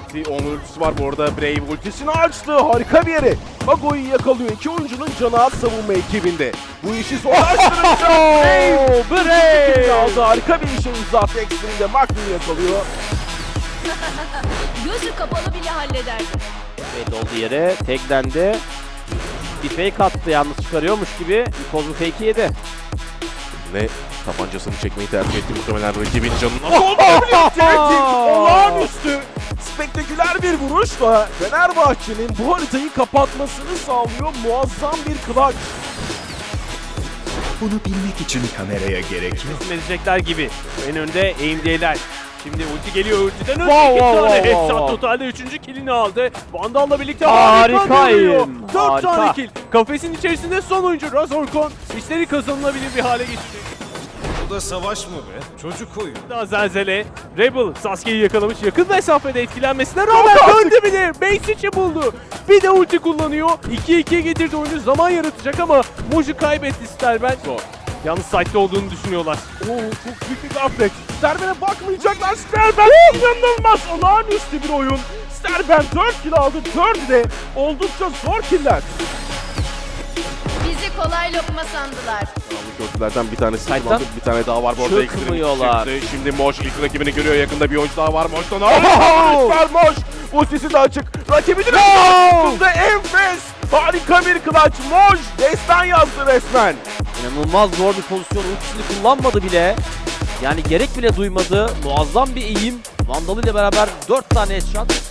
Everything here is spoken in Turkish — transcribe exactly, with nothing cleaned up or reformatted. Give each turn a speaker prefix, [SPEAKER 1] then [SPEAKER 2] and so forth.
[SPEAKER 1] ulti, onun ultisi var bu arada. Brave ultisini açtı. Harika bir yere. Mago'yu yakalıyor. İki oyuncunun canı az savunma ekibinde. Bu işi zorlaştırınca Brave! Brave! Aldı. Harika bir işe imza attı. Extreme'de Magnum'u yakalıyor.
[SPEAKER 2] Gözü kapalı bile hallederdi.
[SPEAKER 3] Evet, oldu yere. Teklendi. Bir fake attı, yalnız çıkarıyormuş gibi. Nikoz bu fake'i yedi.
[SPEAKER 1] Ve tabancasını çekmeyi tercih etti muhtemelen rakibin canına. Sonunda birlikte olağanüstü spektaküler bir vuruşla Fenerbahçe'nin bu haritayı kapatmasını sağlıyor. Muazzam bir clutch.
[SPEAKER 4] Bunu bilmek için kameraya gerek yok.
[SPEAKER 5] Teslim edecekler gibi. En önde A M D'ler. Şimdi ulti geliyor, ultiden önce
[SPEAKER 3] Wow,
[SPEAKER 5] iki
[SPEAKER 3] wow,
[SPEAKER 5] tane
[SPEAKER 3] wow,
[SPEAKER 5] headshot,
[SPEAKER 3] wow.
[SPEAKER 5] totalde üçüncü killini aldı. Vandal'la birlikte harika
[SPEAKER 3] Harikayım,
[SPEAKER 5] dönüyor. dört
[SPEAKER 3] harika.
[SPEAKER 5] tane kill. Kafesin içerisinde son oyuncu Razorkon işleri kazanılabilir bir hale getirdi.
[SPEAKER 4] Bu da savaş mı be? Çocuk oyun.
[SPEAKER 5] Daha Zelzele, Rebel Sasuke'yi yakalamış. Yakın mesafede etkilenmesine rağmen döndü bile. Base içi buldu. Bir de ulti kullanıyor. ikiye ikiye getirdi oyunu. Zaman yaratacak ama Moji kaybetti Sterben. Yalnız site'de olduğunu düşünüyorlar.
[SPEAKER 1] Oo, çok büyük bir gaflet. Sterben'e bakmayacaklar. Sterben inanılmaz olağanüstü bir oyun. Sterben dört kill aldı. dördü de oldukça zor killer.
[SPEAKER 2] Bizi kolay lokma sandılar.
[SPEAKER 1] Gördülerden bir tanesi
[SPEAKER 3] Kayıttan
[SPEAKER 1] kullandı. Bir tane daha var bu arada.
[SPEAKER 3] çıkmıyorlar.
[SPEAKER 1] Extreme çıktı. Şimdi Moş ilk rakibini görüyor. Yakında bir oyuncu daha var. Moş'tan harika Moş. Ultisi de açık. Rakibinin altında enfes. Harika bir clutch. Moş destan yazdı resmen.
[SPEAKER 3] İnanılmaz zor bir pozisyon. Ultisini kullanmadı bile. Yani gerek bile duymadı. Muazzam bir eğim. Vandal ile beraber dört tane headshot.